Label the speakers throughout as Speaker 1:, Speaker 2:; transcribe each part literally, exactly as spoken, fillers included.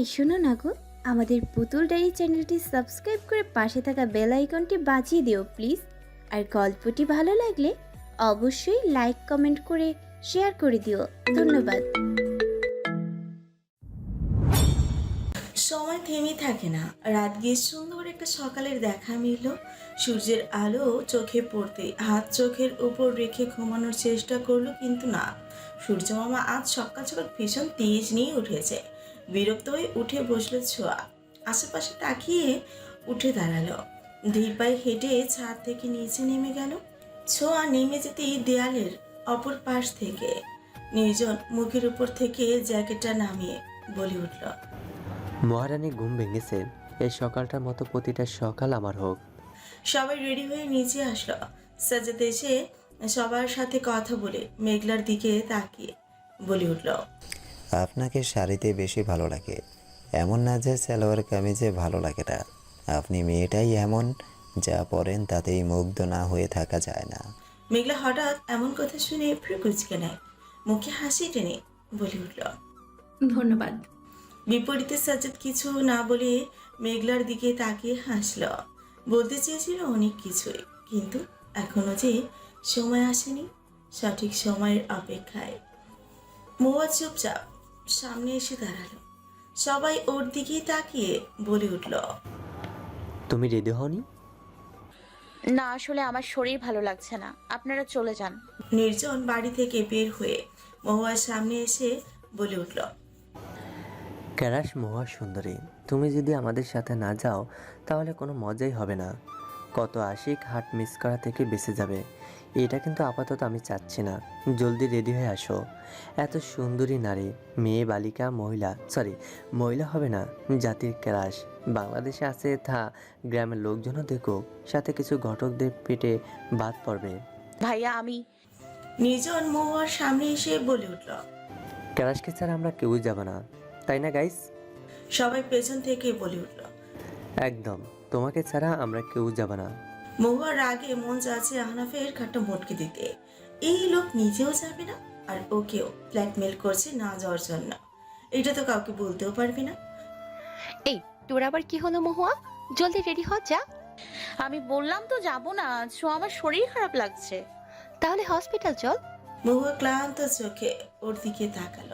Speaker 1: এই শোনো না গো, আমাদের পুতুল ডায়েরি চ্যানেলটি সাবস্ক্রাইব করে পাশে থাকা বেল আইকনটি বাজিয়ে দিও প্লিজ। আর গল্পটি ভালো লাগলে অবশ্যই লাইক কমেন্ট করে শেয়ার করে দিও। ধন্যবাদ।
Speaker 2: সময় থেমে থাকে না। রাত গিয়ে সুন্দর একটা সকালের দেখা মিলল। সূর্যের আলো চোখে পড়তে হাত চোখের উপর রেখে ঘুমানোর চেষ্টা করলো, কিন্তু না। সূর্য মামা আজ সকাল সকাল ভীষণ তেজ নিয়ে উঠেছে। বিরক্ত হয়ে উঠে বসলো ছোঁয়া। আশেপাশে তাকিয়ে উঠে দাঁড়ালো। ধীর পায়ে হেঁটে ছাদ থেকে নিচে নেমে গেল। ছোঁয়া নেমে যেতেই দেয়ালের অপর পাশ থেকে নির্জন মুখের উপর থেকে জ্যাকেটটা নামিয়ে বলে উঠল,
Speaker 3: মহারানী ঘুম ভেঙেছে। এই সকালটার মতো প্রতিটা সকাল আমার হোক।
Speaker 2: সবাই রেডি হয়ে নিচে আসলো। সাজ্জাদ এসে সবার সাথে কথা বলে মেঘলার দিকে তাকিয়ে বলে উঠল,
Speaker 4: আপনাকে শাড়িতে বেশি ভালো লাগে, এমন না যে সালোয়ার কামিজে ভালো লাগে না। আপনি মেয়েটাই এমন, যা পরেন তাতেই মুগ্ধ না হয়ে থাকা যায় না।
Speaker 2: মেঘলা হঠাৎ এমন কথা শুনে ভ্রু কুঁচকে নেয়, মুখে হাসি টেনে বলে উঠল,
Speaker 5: ধন্যবাদ।
Speaker 2: বিপরীতে সাজ্জাদ কিছু না বলে মেঘলার দিকে তাকিয়ে হাসল। বলতে চেয়েছিল অনেক কিছুই, কিন্তু এখনো যে সময় আসেনি। সঠিক সময়ের অপেক্ষায় মহুয়া চুপচাপ সামনে এসে দাঁড়ালো। সবাই ওর দিকেই তাকিয়ে বলে উঠল,
Speaker 3: তুমি রেডি হওনি?
Speaker 6: না, আসলে আমার শরীর ভালো লাগছে না, আপনারা চলে যান।
Speaker 2: নির্জন বাড়ি থেকে বের হয়ে মহুয়ার সামনে এসে বলে উঠল,
Speaker 3: ক্যারাশ মহা সুন্দরী, তুমি যদি আমাদের সাথে না যাও তাহলে কোনো মজাই হবে না। কত আশিক হাট মিস করা থেকে বেঁচে যাবে। এটা কিন্তু আপাতত আমি চাচ্ছি না। জলদি রেডি হয়ে আসো। এত সুন্দরী নারী, মেয়ে, বালিকা, মহিলা, সরি মহিলা হবে না, জাতির ক্যারাশ বাংলাদেশে আছে, তা গ্রামের লোকজনও দেখুক, সাথে কিছু ঘটকদের পেটে বাদ পড়বে।
Speaker 6: ভাইয়া আমি
Speaker 2: নির্জন মহুয়ার সামনে এসে বলে উঠল।
Speaker 3: ক্যারাশকে ছাড়া আমরা কেউই যাব না, তাই না গাইস?
Speaker 2: সবাই পেছন থেকে বলে উঠল,
Speaker 3: একদম, তোমাকে ছাড়া আমরা কেউ যাব না।
Speaker 2: মহুয়ার রাগে মন চাচ্ছে আহনাফের খাটটা মোটকে দিতে। এই লোক নিজেও যাবে না, আর ওকেও ব্ল্যাকমেল করছে না যাওয়ার জন্য। এটা তো কাউকে বলতেও পারবে না।
Speaker 7: এই তোর আবার কি হলো মহুয়া? জলদি রেডি হ, যা।
Speaker 6: আমি বললাম তো যাব না, সো আমার শরীর খারাপ লাগছে।
Speaker 7: তাহলে হসপিটাল চল।
Speaker 2: মহুয়া ক্লান্ত চোখে ওর দিকে তাকালো।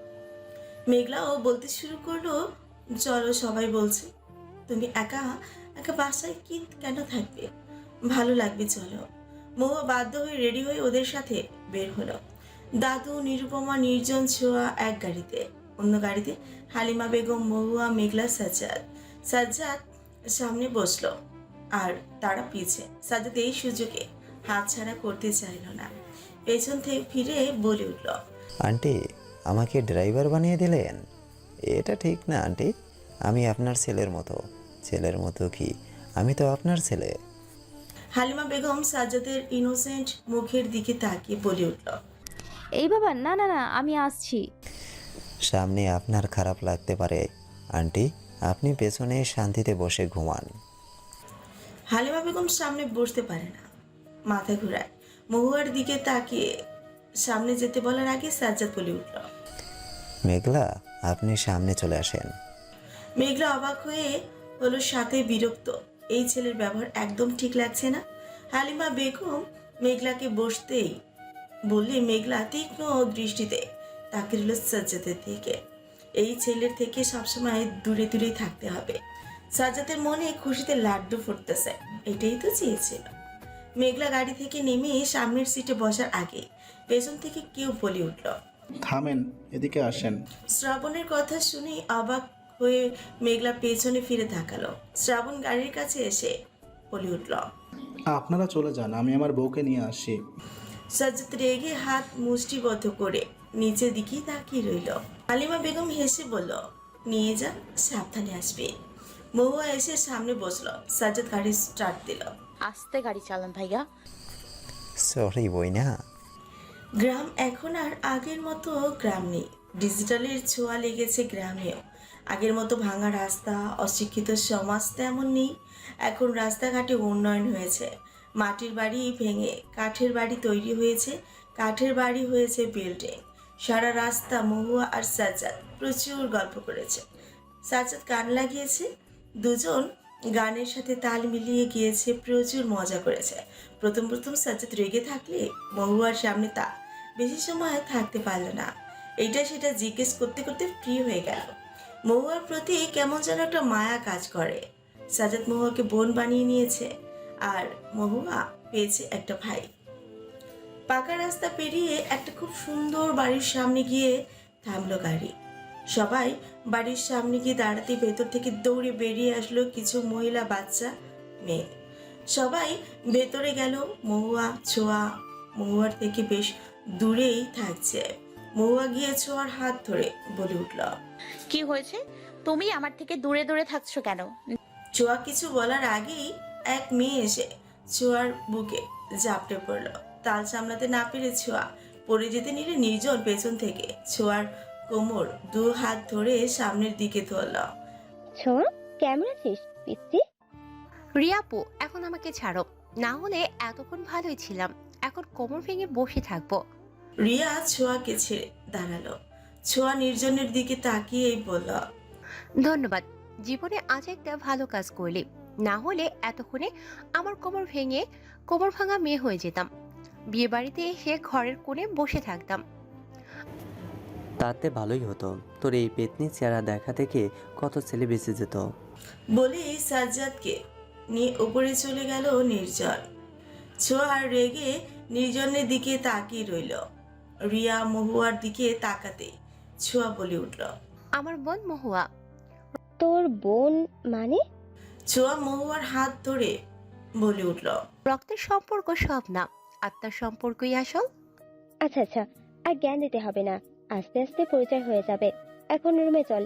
Speaker 2: মেঘলাও বলতে শুরু করলো, চলো, সবাই বলছে। তুমি একা একা বাসায় কি কেন থাকবে? ভালো লাগবে, চলো। মহুয়া বাধ্য হয়ে রেডি হয়ে ওদের সাথে বের হলো। দাদু, নিরুপমা, নির্জন, ছোঁয়া এক গাড়িতে, অন্য গাড়িতে হালিমা বেগম, মহুয়া, মেঘলা, সাজ্জাদ। সাজ্জাদ সামনে বসলো আর তারা পিছে। সাজ্জাদ এই সুযোগে হাতছাড়া করতে চাইল না। পেছন থেকে ফিরে বলে উঠল,
Speaker 4: আন্টি, আমাকে ড্রাইভার বানিয়ে দিলেন? এটা ঠিক না আন্টি। আমি আপনার ছেলের মতো। ছেলের মতো কি, আমি তো আপনার ছেলে।
Speaker 2: হালিমা বেগম সাজ্জাদের ইনোসেন্ট মুখের দিকে তাকিয়ে বলে উঠল,
Speaker 1: এই বাবা, না না না, আমি আসছি।
Speaker 4: সামনে আপনার খারাপ লাগতে পারে আন্টি, আপনি পেছনে শান্তিতে বসে ঘুমান।
Speaker 2: হালিমা বেগম সামনে বসতে পারে না, মাথা ঘুরায়। মহুয়ার দিকে তাকিয়ে সামনে যেতে বলার আগে সাজ্জাদ বলে উঠল,
Speaker 4: মেঘলা, আপনি সামনে চলে আসেন।
Speaker 2: মেঘলা অবাক হয়ে হলো, সাথে বিরক্ত। এই ছেলের ব্যবহার একদম ঠিক লাগছে না। হালিমা বেগম মেঘলাকে বসতেই বললে মেঘলা তীক্ষ্ণ দৃষ্টিতে তাকিয়ে রইল সাজ্জাদের দিকে। এই ছেলের থেকে সবসময় দূরে দূরেই থাকতে হবে। সাজ্জাদের মনে খুশিতে লাড্ডু ফুটতেছে, এটাই তো চেয়েছিল। মেঘলা গাড়ি থেকে নেমে সামনের সিটে বসার আগে পেছন থেকে কেউ বলে উঠল,
Speaker 8: থামেন, এদিকে আসেন।
Speaker 2: শ্রাবণের কথা শুনে অবাক হয়ে মেঘলা পেছনে ফিরে তাকালো। শ্রাবণ গাড়ির কাছে এসে বলে উঠল,
Speaker 8: আপনারা চলে যান, আমি আমার বউকে নিয়ে আসি।
Speaker 2: সাজ্জাদ রেগে হাত মুষ্টিবদ্ধ করে নিচের দিকেই তাকিয়ে রইল। হালিমা বেগম হেসে বলল, নিয়ে যা, সাবধানে আসবে। মহুয়া এসে সামনে বসলো। সাজ্জাদ গাড়ি স্টার্ট দিল।
Speaker 6: আস্তে গাড়ি চালান ভাইয়া।
Speaker 4: সরি বইনা।
Speaker 2: গ্রাম এখন আর আগের মতো গ্রাম নেই। ডিজিটালের ছোঁয়া লেগেছে গ্রামেও। আগের মতো ভাঙা রাস্তা, অশিক্ষিত সমাজ তেমন নেই। এখন রাস্তাঘাটে উন্নয়ন হয়েছে। মাটির বাড়ি ভেঙে কাঠের বাড়ি তৈরি হয়েছে, কাঠের বাড়ি হয়েছে বিল্ডিং। সারা রাস্তা মহুয়া আর সাজ্জাদ প্রচুর গল্প করেছে। সাজ্জাদ গান লাগিয়েছে, দুজন গানের সাথে তাল মিলিয়ে গিয়েছে, প্রচুর মজা করেছে। প্রথম প্রথম সাজ্জাদ রেগে থাকলে মহুয়ার সামনে তা বেশি সময় থাকতে পারল না। এইটা সেটা জিজ্ঞেস করতে করতে ফ্রি হয়ে গেল। মহুয়ার প্রতি কেমন যেন একটা মায়া কাজ করে। সাজ্জাদ মহুয়াকে বোন বানিয়ে নিয়েছে, আর মহুয়া পেয়েছে একটা ভাই। পাকা রাস্তা পেরিয়ে একটা খুব সুন্দর বাড়ির সামনে গিয়ে থামলো গাড়ি। সবাই বাড়ির সামনে গিয়ে দাঁড়াতে ভেতর থেকে দৌড়ে বেরিয়ে আসলো কিছু মহিলা, বাচ্চা, মেয়ে। সবাই ভেতরে গেল। মহুয়া ছোঁয়া মহুয়ার থেকে বেশ দূরেই থাকছে। মহুয়া গিয়ে ছোঁয়ার হাত ধরে বলে উঠল,
Speaker 6: কি হয়েছে? তুমি আমার থেকে দূরে দূরে থাকছো কেন?
Speaker 2: ছোঁয়া কিছু বলার আগেই এক মেয়ে এসে ছোঁয়ার বুকে ঝাপটে পড়ল। তাল সামলাতে না পেরে ছোঁয়া পড়ে যেতে নিলে নির্জন পেছন থেকে ছোঁয়ার কোমর দু হাত ধরে সামনের দিকে ধরল।
Speaker 5: ছোঁয়া, কেমন আছিস পিচ্ছি?
Speaker 7: রিয়াপু, এখন আমাকে ছাড়ো, না হলে এতক্ষণ ভালোই ছিলাম, এখন কোমর ভেঙে বসে থাকবো।
Speaker 2: রিয়া ছোঁয়াকে ছেড়ে দাঁড়ালো। ছোঁয়া নির্জনের দিকে তাকিয়েই বলল,
Speaker 7: ধন্যবাদ, জীবনে আজ একটা ভালো কাজ করলি, না হলে এতক্ষণে আমার কোমর ভেঙে কোমর ভাঙা মেয়ে হয়ে যেতাম, বিয়ে বাড়িতে এসে ঘরের কোণে বসে থাকতাম।
Speaker 3: তাতে ভালোই হতো, তোর এই পেতনি চেহারা দেখা থেকে কত ছেলে বেঁচে যেত।
Speaker 2: বলেই সাজ্জাদকে নিয়ে উপরে চলে গেল নির্জন। ছোঁয়া রেগে নির্জনের দিকে তাকিয়ে রইল। রিয়া মহুয়ার দিকে তাকাতে ছোঁয়া বলে উঠল,
Speaker 7: আমার বোন মহুয়া।
Speaker 5: তোর বোন মানে?
Speaker 2: ছোঁয়া মহুয়ার হাত ধরে বলে উঠল,
Speaker 7: রক্তের সম্পর্ক সব না, আত্মার সম্পর্কই আসল।
Speaker 5: আচ্ছা আচ্ছা, আর জ্ঞান দিতে হবে না, আস্তে আস্তে পরিচয় হয়ে যাবে। এখন রুমে চল।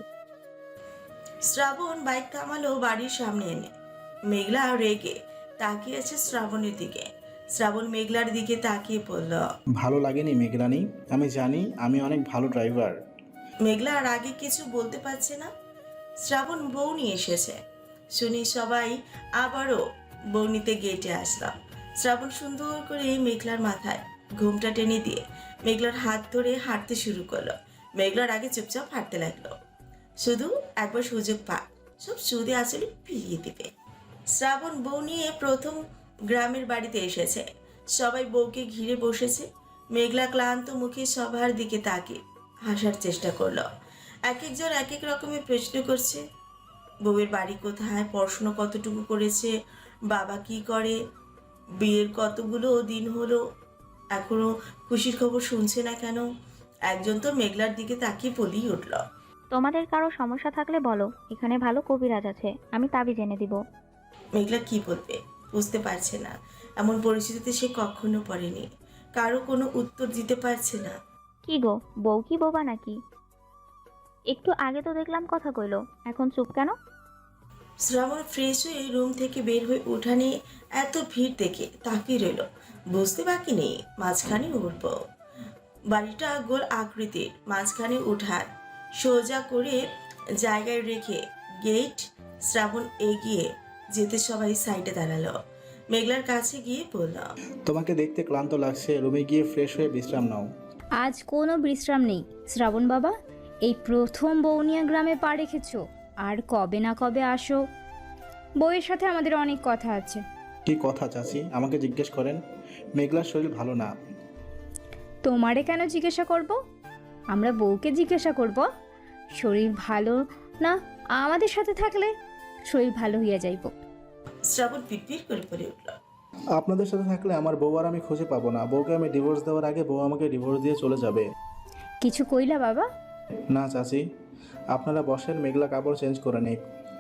Speaker 2: শ্রাবণ বাইক থামালো বাড়ির সামনে এনে। মেঘলা রেগে তাকিয়ে আছে শ্রাবণের দিকে। শ্রাবণ মেঘলার দিকে তাকিয়ে পড়ল।
Speaker 8: ভালো লাগেনি মেঘরানি? আমি জানি আমি অনেক ভালো ড্রাইভার।
Speaker 2: মেঘলা আর আগে কিছু বলতে পারছে না। শ্রাবণ বউ নিয়ে এসেছে শুনি সবাই আবারও বউ নিতে গেটে আসলাম। শ্রাবণ সুন্দর করে মেঘলার মাথায় ঘুমটা টেনে দিয়ে মেঘলার হাত ধরে হাঁটতে শুরু করলো। মেঘলার আগে চুপচাপ হাঁটতে লাগলো। শুধু একবার সুযোগ পা সব সুদে আসলে ফিরিয়ে দিবে। শ্রাবণ বউ নিয়ে প্রথম গ্রামের বাড়িতে এসেছে। সবাই বউকে ঘিরে বসেছে। মেঘলা ক্লান্ত মুখে সবার দিকে তাকিয়ে হাসার চেষ্টা করলো। এক একজন এক এক রকমের প্রশ্ন করছে। বউয়ের বাড়ি কোথায়, পড়াশুনো কতটুকু করেছে, বাবা কি করে, বিয়ের কতগুলো দিন হলো, এখনো খুশির খবর শুনছে না কেন। একজন তো মেঘলার দিকে তাকিয়ে বলেই উঠল,
Speaker 9: তোমাদের কারো সমস্যা থাকলে বলো, এখানে ভালো কবিরাজ আছে, আমি তাবিজ এনে দিব।
Speaker 2: মেঘলা কি বলবে বুঝতে পারছে না। এমন পরিস্থিতিতে সে কখনো পড়েনি। কারো কোনো উত্তর দিতে পারছে না।
Speaker 9: কি গো, বউ কি বোবা নাকি? একটু আগে তো দেখলাম কথা কইলো, এখন চুপ কেন?
Speaker 2: শ্রাবণ ফ্রেশ হয়ে রুম থেকে বের হয়ে উঠানে এত ভিড় দেখে তাকিয়ে রইল। বুঝতে বাকি নেই মাঝখানে উঠব। বাড়িটা গোল আকৃতির, মাঝখানে উঠান সোজা করে জায়গায় রেখে গেট। শ্রাবণ এগিয়ে যেতে সবাই সাইডে দাঁড়ালো। মেঘলার কাছে গিয়ে বলল,
Speaker 8: তোমাকে দেখতে ক্লান্ত লাগছে, রুমে গিয়ে ফ্রেশ হয়ে বিশ্রাম নাও।
Speaker 10: আজ কোনো বিশ্রাম নেই শ্রাবণ বাবা, এই প্রথম বৌনিয়া গ্রামে পা রেখেছো, আর কবে না কবে আসো। বউয়ের সাথে আমাদের অনেক কথা আছে।
Speaker 8: কি কথা চাচি, আমাকে জিজ্ঞেস করেন? মেঘলার শরীর ভালো না।
Speaker 10: তোমারে কেন জিজ্ঞাসা করব? আমরা বউকে জিজ্ঞাসা করব। শরীর ভালো না আমাদের সাথে থাকলে শরীর ভালো হইয়া যাইব।
Speaker 2: শ্রাবণ পিটপিট করে পড়ে উঠল,
Speaker 8: আপনাদের সাথে থাকলে আমার বউ আর আমি খুঁজে পাবো না। বউকে আমি ডিভোর্স দেওয়ার আগে বউ আমাকে ডিভোর্স দিয়ে চলে যাবে।
Speaker 10: কিছু কইলা বাবা?
Speaker 8: না চাচি, আপনারা বসেন, মেঘলা কাপড় চেঞ্জ করে নিক।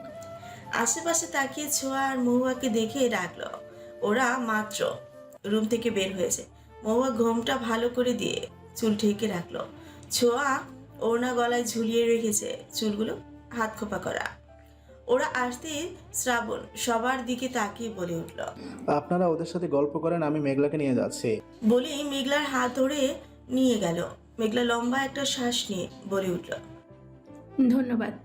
Speaker 2: আশেপাশে তাকিয়ে ছোঁয়া আর মহুয়াকে দেখে রাখলো। ওরা মাত্র রুম থেকে বের হয়েছে। মহুয়া ঘোমটা ভালো করে দিয়ে চুল ঢেকে রাখলো। ছোঁয়া ওড়না গলায় ঝুলিয়ে রেখেছে, চুলগুলো হাত খোপা করা। ওরা আসতে শ্রাবণ সবার দিকে তাকিয়ে বলে উঠল,
Speaker 8: আপনারা ওদের সাথে গল্প করেন, আমি মেঘলাকে নিয়ে যাচ্ছি।
Speaker 2: বলেই মেঘলার হাত ধরে নিয়ে গেল। মেঘলা লম্বা একটা শ্বাস নিয়ে বলে উঠল,
Speaker 11: ধন্যবাদ।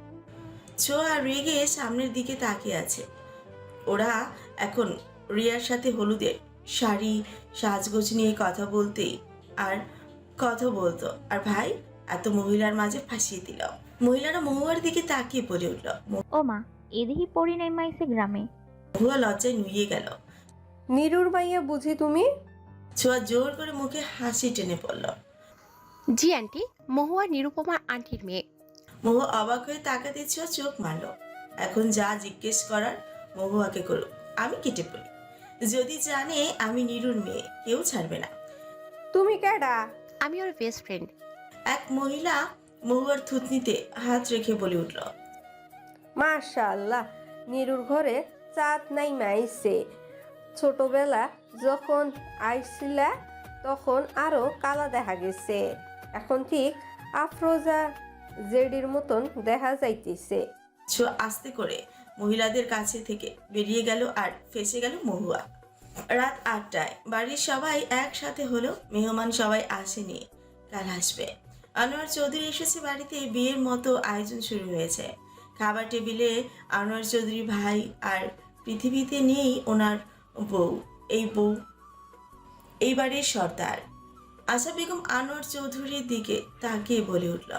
Speaker 2: ছোঁয়া রেগে সামনের দিকে তাকিয়ে আছে। ওরা এখন রিয়ার সাথে হলুদের শাড়ি সাজগোজ নিয়ে কথা বলতেই আর কথা বলতো, আর ভাই এত মহিলার মাঝে ফাঁসিয়ে দিল। মহিলারা মহুয়ার দিকে তাকিয়ে বলে উঠল।
Speaker 9: ও মা, এদিকে পড়ি নাই মাইছে গ্রামে।
Speaker 2: মহুয়া লজ্জায় নুয়ে গেল।
Speaker 12: নিরুর মাইয়া বুঝি তুমি?
Speaker 2: ছোঁয়া জোর করে মুখে হাসি টেনে পড়ল।
Speaker 7: জি আন্টি, মহুয়া নিরুপমা আন্টির মেয়ে।
Speaker 2: মহুয়া অবাক হয়ে তাকাতে ছোঁয়া চোখ মারল। এখন যা জিজ্ঞেস করার মহুয়াকে করুক, আমি কেটে পড়ি। যদি জানে আমি নিরুর মেয়ে, কেউ ছাড়বে না।
Speaker 12: তুমি কেডা?
Speaker 7: আমি ওর বেস্ট ফ্রেন্ড।
Speaker 2: এক মহিলা মহুয়ার থুতনিতে হাত রেখে বলে উঠল।
Speaker 12: মাশাআল্লাহ, নিরুর ঘরে চাঁদ নাই মাইছে। ছোটবেলা যখন আইছিলা তখন আরো কালা দেখা গেছে, এখন ঠিক আফরোজা জেডির মতন দেখা যাইতেছে।
Speaker 2: ছোঁয়া আস্তে করে মহিলাদের কাছে থেকে বেরিয়ে গেল আর ফেসে গেল মহুয়া। রাত আটটায় বাড়ির সবাই একসাথে হলো। মেহমান সবাই আসেনি, কাল আসবে। আনোয়ার চৌধুরী এসেছে বাড়িতে। বিয়ের মতো আয়োজন শুরু হয়েছে। খাবার টেবিলে আনোয়ার চৌধুরী ভাই আর পৃথিবীতে নেই ওনার বউ। এই বউ এই বাড়ির সর্দার। আশা বেগম আনোয়ার চৌধুরীর দিকে তাকিয়ে বলে উঠল।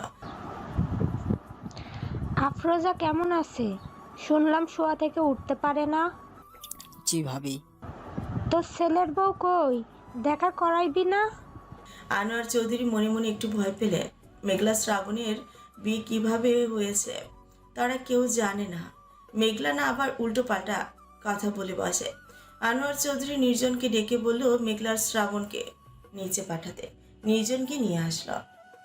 Speaker 13: আফরোজা কেমন আছে? শুনলাম শোয়া থেকে উঠতে পারে না।
Speaker 14: জি ভাবি।
Speaker 13: তোর ছেলের বউ কই? দেখা করাইবি না?
Speaker 2: আনোয়ার চৌধুরী মনে মনে একটু ভয় পেলেন। মেঘলা শ্রাবণের বিয়ে কিভাবে হয়েছে তারা কেউ জানে না। মেঘলা না আবার উল্টো পাল্টা কথা বলে বসে। আনোয়ার চৌধুরী নির্জনকে ডেকে বলল মেঘলার শ্রাবণকে নিচে পাঠাতে। নির্জনকে নিয়ে আসলো।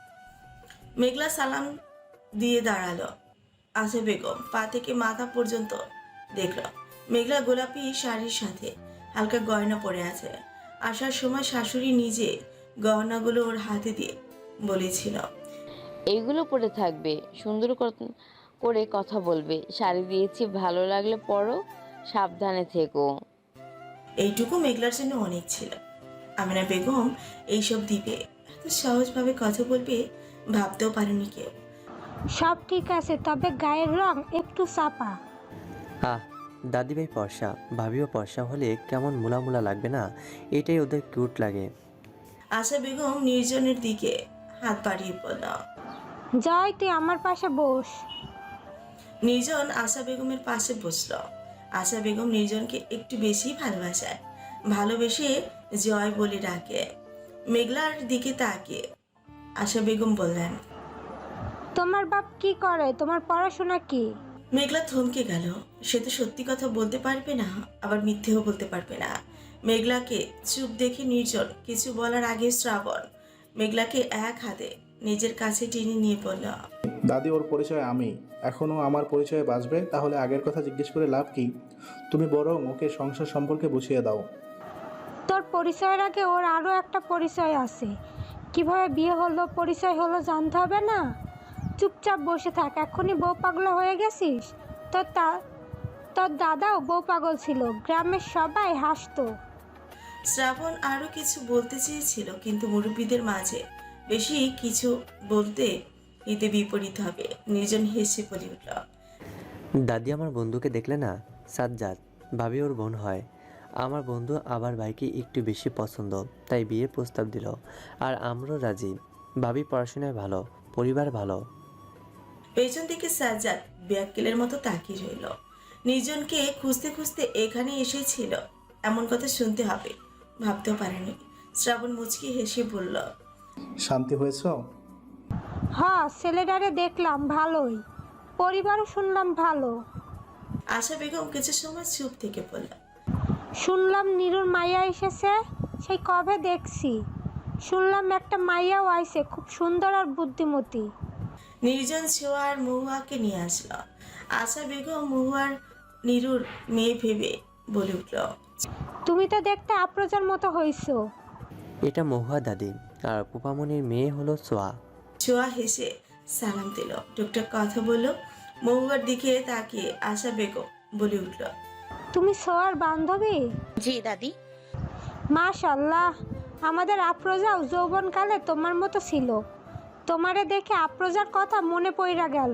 Speaker 2: মেঘলা সালাম দিয়ে দাঁড়ালো। আশা বেগম পা থেকে মাথা পর্যন্ত দেখল মেঘলা গোলাপি শাড়ির সাথে হালকা গয়না পরে আছে। আসার সময় শাশুড়ি নিজে গহনাগুলো ওর হাতে দিয়ে বলেছিল,
Speaker 15: এইগুলো পরে থাকবে, সুন্দর করে কথা বলবে, শাড়ি দিয়েছি ভালো লাগলে পরো, সাবধানে থেকো।
Speaker 2: এইটুকু মেঘলার জন্য অনেক ছিল। আমিনা বেগম এইসব দিবে, এত সহজভাবে কথা বলবে ভাবতেও পারেনি কেউ।
Speaker 13: সব ঠিক আছে, তবে গায়ের রং একটু চাপা।
Speaker 3: আহ, দাদিভাই পর্ষা, ভাবিও পর্ষা হলে কেমন মুলা মুলা লাগবে না? এটাই ওদের কিউট লাগে।
Speaker 2: আশা বেগম নির্জনের দিকে হাত বাড়িয়ে পড়ল।
Speaker 13: জয়, তুই আমার পাশে বস।
Speaker 2: নির্জন আশা বেগমের পাশে বসল। আশা বেগম নির্জনকে একটু বেশি ভালোবাসায়, ভালোবেসে জয় বলে ডাকে। মেঘলার দিকে তাকিয়ে আশা বেগম বললেন,
Speaker 13: তোমার বাপ কি করে? তোমার পড়াশোনা কি?
Speaker 2: মেঘলা থমকে গেল। সে তো সত্যি কথা বলতে পারবে না, আবার মিথ্যেও বলতে পারবে না। মেঘলাকে চুপ দেখে নির্জন কিছু বলার আগে শ্রাবণ মেঘলাকে এক হাতে নিজের কাছে টেনে নিয়ে বলল,
Speaker 8: দাদি, ওর পরিচয় আমি। এখনও আমার পরিচয়ে বাঁচবে? তাহলে আগের কথা জিজ্ঞেস করে লাভ কি? তুমি বরং ওকে সংসার সম্পর্কে বুঝিয়ে দাও।
Speaker 13: তোর পরিচয়ের আগে ওর আরও একটা পরিচয় আছে। কিভাবে বিয়ে হলো, পরিচয় হলো জানতে হবে না? চুপচাপ বসে থাক। এখনই বউ পাগলা হয়ে গেছিস? তোর তা তোর দাদাও বউ পাগল ছিল, গ্রামের সবাই হাসতো।
Speaker 2: শ্রাবণ আরো কিছু বলতে চেয়েছিল, কিন্তু মুরব্বীদের মাঝে বেশি কিছু বলতে এতে বিপরীত হবে। নির্জন হেসে বলে উঠল,
Speaker 3: দাদি, আমার বন্ধুকে দেখলে না? সাজ্জাদ, ভাবি ওর বোন হয়। আমার বন্ধু আবার ভাইকে একটু বেশি পছন্দ, তাই বিয়ের প্রস্তাব দিল। আর আমরাও রাজি। ভাবি পড়াশোনায় ভালো, পরিবার ভালো।
Speaker 2: পেছন থেকে সাজ্জাদ ব্যাককেলের মতো তাকিয়ে রইল। নির্জনকে খুঁজতে খুঁজতে এখানে এসেছিল, এমন কথা শুনতে হবে ভাবতেও পারেনি। শ্রাবণ মুচকি হেসে বলল,
Speaker 8: শান্তি হয়েছ?
Speaker 13: হ্যাঁ, ছেলেটারে দেখলাম ভালোই, পরিবারও শুনলাম ভালো।
Speaker 2: আশা বেগম কিছু সময় চুপ থেকে বলল,
Speaker 13: শুনলাম নিরুর মাইয়া এসেছে, সেই কবে দেখছি। শুনলাম একটা মাইয়াও আইছে, খুব সুন্দর আর বুদ্ধিমতী।
Speaker 2: নির্জন ছোঁয়া আর মহুয়াকে নিয়ে আসলো। আশা বেগম মহুয়ার নিরুর মেয়ে ভেবে বলে উঠল,
Speaker 13: তুমি তো দেখতে আপ্রজার মতো হইছো।
Speaker 3: এটা মহুয়া দাদি, আর পুপামনির মেয়ে হলো সোয়া।
Speaker 2: ছোঁয়া হেসে সালাম দিল, টুকটাক কথা বলল। মহুয়ার দিকে তাকিয়ে আশা বেগম বলে উঠল,
Speaker 13: তুমি সোয়ার বান্ধবী?
Speaker 6: জি দাদি।
Speaker 13: মাশাআল্লাহ, আমাদের আপ্রজাও যৌবনকালে তোমার মতো ছিল। তোমারে দেখে আপ্রজার কথা মনে পড়া গেল।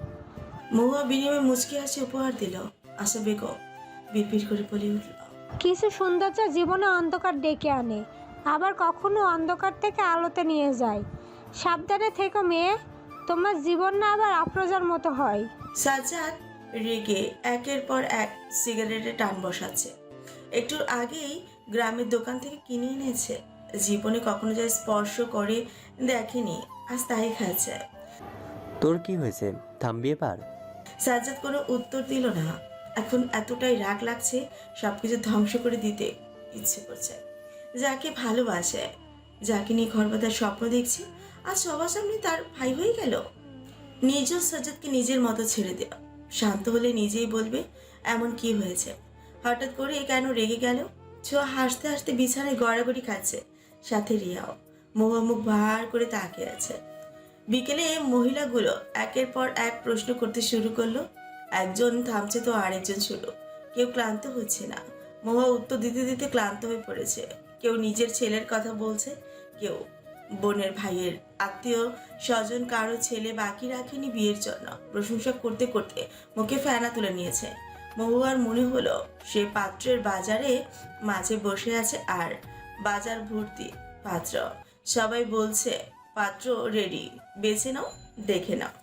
Speaker 2: মহুয়া বিনিময়ে মুচকি হাসি উপহার দিল। আশা বেগম বিড়বিড় করে বলে উঠল,
Speaker 13: কিছু সৌন্দর্য জীবনে অন্ধকার ডেকে আনে, আবার কখনো অন্ধকার থেকে আলোতে নিয়ে যায়। সাবধানে থেকো মেয়ে, তোমার জীবন না আবার আফরোজার মতো হয়।
Speaker 2: সাজ্জাদ রেগে একের পর এক সিগারেটে টান বসাচ্ছে। একটু আগেই গ্রামের দোকান থেকে কিনে এনেছে, জীবনে কখনো যা স্পর্শ করে দেখেনি, আজ তাই খাচ্ছে।
Speaker 3: তোর কি হয়েছে, থামবি এবার?
Speaker 2: সাজ্জাদ কোনো উত্তর দিল না। এখন এতটাই রাগ লাগছে, সবকিছু ধ্বংস করে দিতে ইচ্ছে করছে। যাকে ভালোবাসে, যাকে নিয়ে ঘর বাঁধার স্বপ্ন দেখছি, আর সবার সামনে তার ভাই হয়ে গেল। নিজ সাজ্জাদকে নিজের মতো ছেড়ে দেওয়া, শান্ত হলে নিজেই বলবে এমন কি হয়েছে, হঠাৎ করে কেন রেগে গেল। ছোঁয়া হাসতে হাসতে বিছানায় গড়াগড়ি খাচ্ছে, সাথে রিয়াও মুখ ভার করে তাকিয়ে আছে। বিকেলে মহিলাগুলো একের পর এক প্রশ্ন করতে শুরু করলো। একজন থামছে তো আরেকজন শুরু। কেউ ক্লান্ত হচ্ছে না, মহুয়া উত্তর দিতে দিতে ক্লান্ত হয়ে পড়েছে। কেউ নিজের ছেলের কথা বলছে, কেউ বোনের ভাইয়ের আত্মীয় স্বজন, কারো ছেলে বাকি রাখেনি বিয়ের জন্য। প্রশংসা করতে করতে মুখে ফেনা তুলে নিয়েছে। মহুয়ার মনে হলো সে পাত্রের বাজারে মাঝে বসে আছে, আর বাজার ভর্তি পাত্র। সবাই বলছে পাত্র রেডি, বেছে নাও, দেখে নাও।